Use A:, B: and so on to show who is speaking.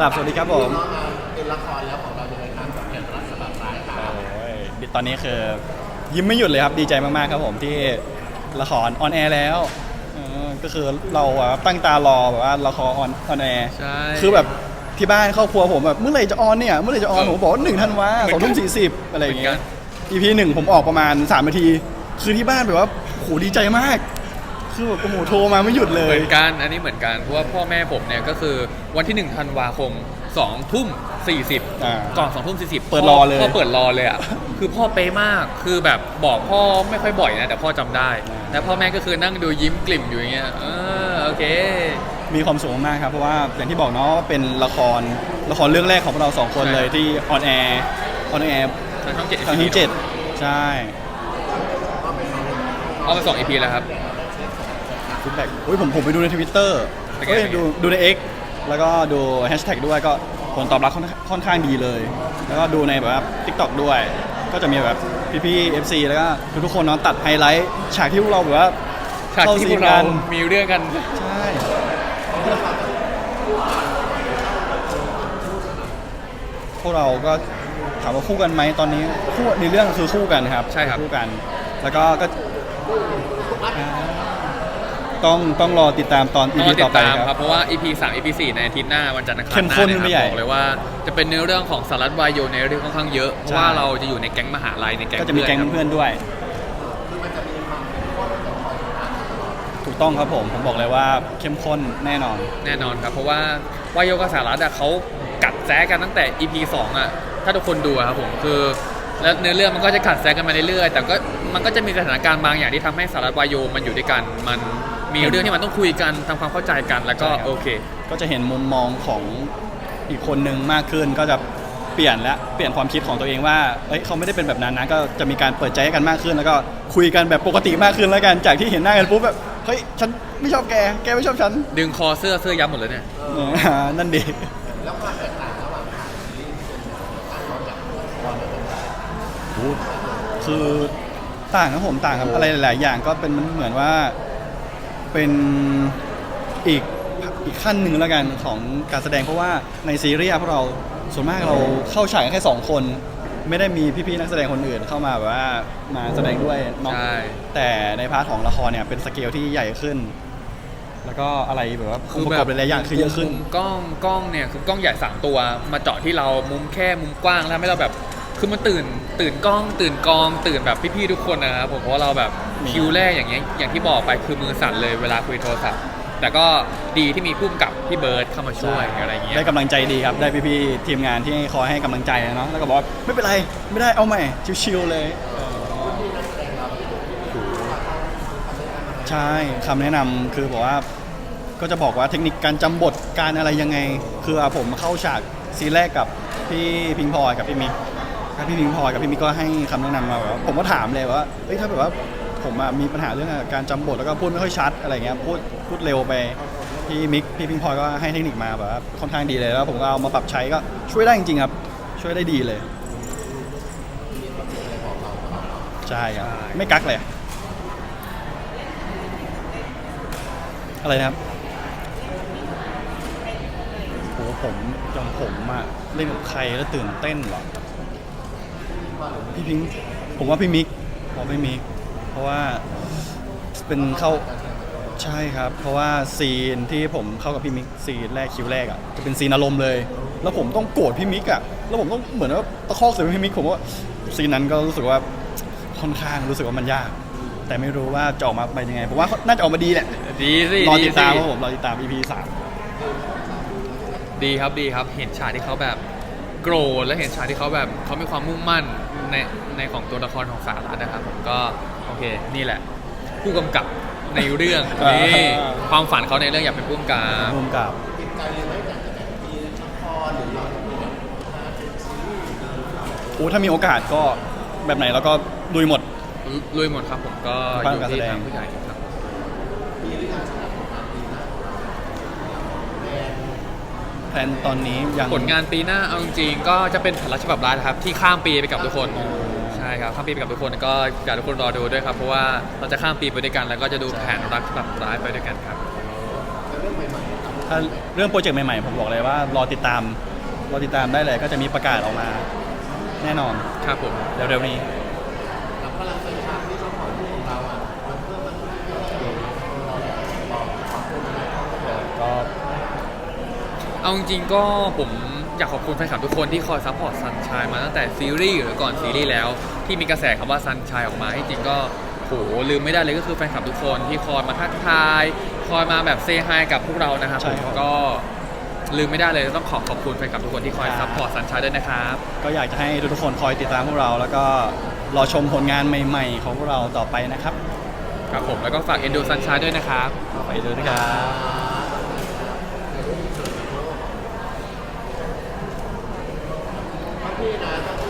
A: กราบสวัสดีครับผม
B: เป็นละครแล้วของเรายังไงครับกับแผนรักฉบับร้ายครับ
A: โอ้ยตอนนี้คือยิ้มไม่หยุดเลยครับดีใจมากๆครับผมที่ละครออนแอร์แล้วก็คือเราตั้งตารอแบบว่าละครออนแอร์
C: ใช่
A: คือแบบที่บ้านครอบครัวผมแบบเมื่อไหร่จะออนเนี่ยเมื่อไหร่จะออนผมบอกว่า1 ธันวาคม 20:40อะไรอย่างเงี้ย EP 1ผมออกประมาณ3 นาทีคือที่บ้านแบบว่าโหดีใจมากคือแบบโอ้โหโทรมาไม่หยุดเล
C: เห
A: ย
C: มือนกันอันนี้เหมือนกันเพราะว่าพ่อแม่ผมเนี่ยก็คือวันที่1 ธันวาคม20:40ก่อน20:40
A: เปิดรอเลย
C: พ่อเปิดรอเลยอ่ะคือพ่อเป๊ะมากคือแบบบอกพ่อไม่ค่อยบ่อยนะแต่พ่อจำได้แล้วพ่อแม่ก็คือนั่งดูยิ้มกลิ่มอยู่อย่างเงี้ยโอเค
A: มีความสุขมากครับเพราะว่าอย่างที่บอกเนาะว่าเป็นละครเรื่องแรกของเรา2 คนเลยที่ออนแอร์
C: ทางช่อง 7
A: ครั้งที่7ใช่
C: เอามา2 EP แล้วครับ
A: ฟีดแบ็กผมไปดูใน Twitter ดูใน X แล้วก็ดูแฮชแท็กด้วยก็ผลตอบรับค่อนข้างดีเลย แล้วก็ดูในแบบว่า TikTok ด้วยก็จะมีแบบพี่ๆ FC แล้วก็ทุกคนนอนตัดไฮไลท์ฉากที่พวกเราแบบว่า
C: ฉากที่พวกเรามีเรื่องกัน
A: ใช่พวกเราก็ถามว่าคู่กันไหมตอนนี้คู่ในเรื่องคือคู่กันครับ
C: ใช่ครับ
A: คู่กันแล้วก็ต้องรอติดตามตอน EP ต่อไป
C: ครับเพราะว่า EP 3 EP 4ในอาทิตย์หน้าวันจันทร์อังคารหน้า
A: เนี่ย
C: บอกเลยว่าจะเป็นเนื้อเรื่องของสารัตวายโยในเรื่องค่อนข้างเยอะเพราะว่าเราจะอยู่ในแก๊งมหาลัยในแก๊ง
A: ก็จะมีแก๊งเพื่อนด้วยถูกต้องครับผมบอกเลยว่าเข้มข้นแน่นอน
C: ครับเพราะว่าวายโยกับสารัตเขากัดแซะกันตั้งแต่ EP 2อ่ะถ้าทุกคนดูครับผมคือแล้วเนื้อเรื่องมันก็จะขัดแซะกันมาเรื่อยๆแต่ก็มันก็จะมีสถานการณ์บางอย่างที่ทำให้สารัตวายโยมันอยู่ด้วยกันมันมีเรื่องที่มันต้องคุยกันทำความเข้าใจกันแล้วก็โอเค
A: ก็จะเห็นมุมมองของอีกคนนึงมากขึ้นก็จะเปลี่ยนความคิดของตัวเองว่าเขาไม่ได้เป็นแบบนั้นนะก็จะมีการเปิดใจให้กันมากขึ้นแล้วก็คุยกันแบบปกติมากขึ้นแล้วกันจากที่เห็นหน้ากันปุ๊บแบบเฮ้ยฉันไม่ชอบแกไม่ชอบฉัน
C: ดึงคอเสื้อยับหมดเลยเนี่ย
A: นั่นดี
B: แล้วความแตกต่างระหว่าง
A: คือต่างครับผมต่างครับอะไรหลายๆอย่างก็เป็นเหมือนว่าเป็นอีกขั้นหนึ่งแล้วกันของการแสดงเพราะว่าในซีรีส์พวกเราส่วนมากเราเข้าฉากแค่2 คนไม่ได้มีพี่ๆนักแสดงคนอื่นเข้ามาแบบว่ามาแสดงด้วยเนาะแต่ในพาร์ทของละครเนี่ยเป็นสเกลที่ใหญ่ขึ้นแล้วก็อะไรแบบว่าองค์ประกอบหลายๆอย่างคือเยอะขึ้น
C: กล้องเนี่ยคือกล้องใหญ่3 ตัวมาเจาะที่เรามุมแค่มุมกว้างแล้วให้เราแบบคือมันตื่นกล้องตื่นกองตื่นแบบพี่ๆทุกคนนะครับผมเพราะว่าเราแบบคิวแรกอย่างเงี้ยอย่างที่บอกไปคือมือสั่นเลยเวลาคุยโทรศัพท์แต่ก็ดีที่มีผู้กำกับพี่เบิร์ดเข้ามาช่วยอะไรเงี้ย
A: ได้กำลังใจดีครับได้พี่ๆทีมงานที่คอยให้กำลังใจเนาะแล้วก็บอกไม่เป็นไรไม่ได้เอาใหม่ชิวๆเลยใช่คำแนะนำคือบอกว่าก็จะบอกว่าเทคนิคการจำบทการอะไรยังไงคือผมเข้าฉากซีนแรกกับพี่พิงพลอยกับพี่มิกพี่พิงพลอยกับพี่มิกก็ให้คำแนะนำมาแบบผมก็ถามเลยว่าถ้าแบบว่าผมมีปัญหาเรื่องการจำบทแล้วก็พูดไม่ค่อยชัดอะไรเงี้ยพูดเร็วไปพี่มิกพี่พิงพลอยก็ให้เทคนิคมาแบบค่อนข้างดีเลยแล้วผมก็เอามาปรับใช้ก็ช่วยได้จริงๆครับช่วยได้ดีเลยใช่ครับไม่กักเลยอะไรนะครับโหผมเล่นกับใครแล้วตื่นเต้นเหรอพี่พิงผมว่าพี่มิกเพราะว่าเป็นเข้าใช่ครับเพราะว่าซีนที่ผมเข้ากับพี่มิกซีนแรกคิวแรกจะเป็นซีนอารมณ์เลยแล้วผมต้องโกรธพี่มิกแล้วผมต้องเหมือนว่าตะคอกใส่พี่มิกผมว่าซีนนั้นก็รู้สึกว่าค่อนข้างรู้สึกว่ามันยากแต่ไม่รู้ว่าจะออกมาเป็นยังไงผมว่าน่าจะออกมาดีแหละ
C: ดีสิ
A: รอติดตามครับผมรอติดตาม EP
C: 3ดีครับเห็นฉากที่เขาแบบโกรธและเห็นฉากที่เขาแบบเขามีความมุ่งมั่นในของตัวละครของสารัตนะครับผมก็โอเคนี่แหละผู้กำกับในเรื่องนี่ความฝันเขาในเรื่องอยากเป็นผู้กำ
A: กับ
B: ติดใจเลยไหมแต่มีละครหรือเรา
A: ถ้ามีโอกาสก็แบบไหนแล้วก็ลุยหมด
C: ครับผมก็อยู่ที่ทางผู้ใหญ่ครับ
A: แผนตอนนี้ยัง
C: ผลงานปีหน้าเอาจริงๆก็จะเป็นแผนรักฉบับร้ายครับที่ข้ามปีไปกับทุกคนใช่ครับข้ามปีไปกับทุกคนก็อยากทุกคนรอดูด้วยครับเพราะว่าเราจะข้ามปีไปด้วยกันแล้วก็จะดูแผนรักฉบับร้ายไปด้วยกันครับ
B: เรื่องใหม่ๆ
A: ถ้าเรื่องโปรเจกต์ใหม่ๆผมบอกเลยว่ารอติดตามได้เลยก็จะมีประกาศออกมาแน่นอน
C: ครับผม
A: เร็วๆนี้
B: แล้วพลังสัญชาติที่เจ้าของของเราอ่ะมันเพิ่มมันเราเนี่ยบอกขอบคุณนะ
A: ก็
C: เอาจริงๆก็ผมอยากขอบคุณแฟนคลับทุกคนที่คอยซัพพอร์ตซันชายมาตั้งแต่ซีรีส์หรือก่อนซีรีส์แล้วที่มีกระแสคำว่าซันชายออกมาที่จริงก็โหลืมไม่ได้เลยก็คือแฟนคลับทุกคนที่คอยมาทักทายคอยมาแบบเซฮายกับพวกเรานะครับ
A: ใช่
C: ผม
A: ครับ
C: ก็ลืมไม่ได้เลยต้องขอบคุณแฟนคลับทุกคนที่คอยซัพพอร์ตซันชายด้วยนะครับ
A: ก็อยากจะให้ทุกๆคนคอยติดตามพวกเรา แล้วก็รอชมผลงานใหม่ๆของพวกเราต่อไปนะครับ
C: ครับผมแล้วก็ฝากเอ็นดูซันชายด้วยนะครับ
A: ไปดูนะครับ
B: พี่นะ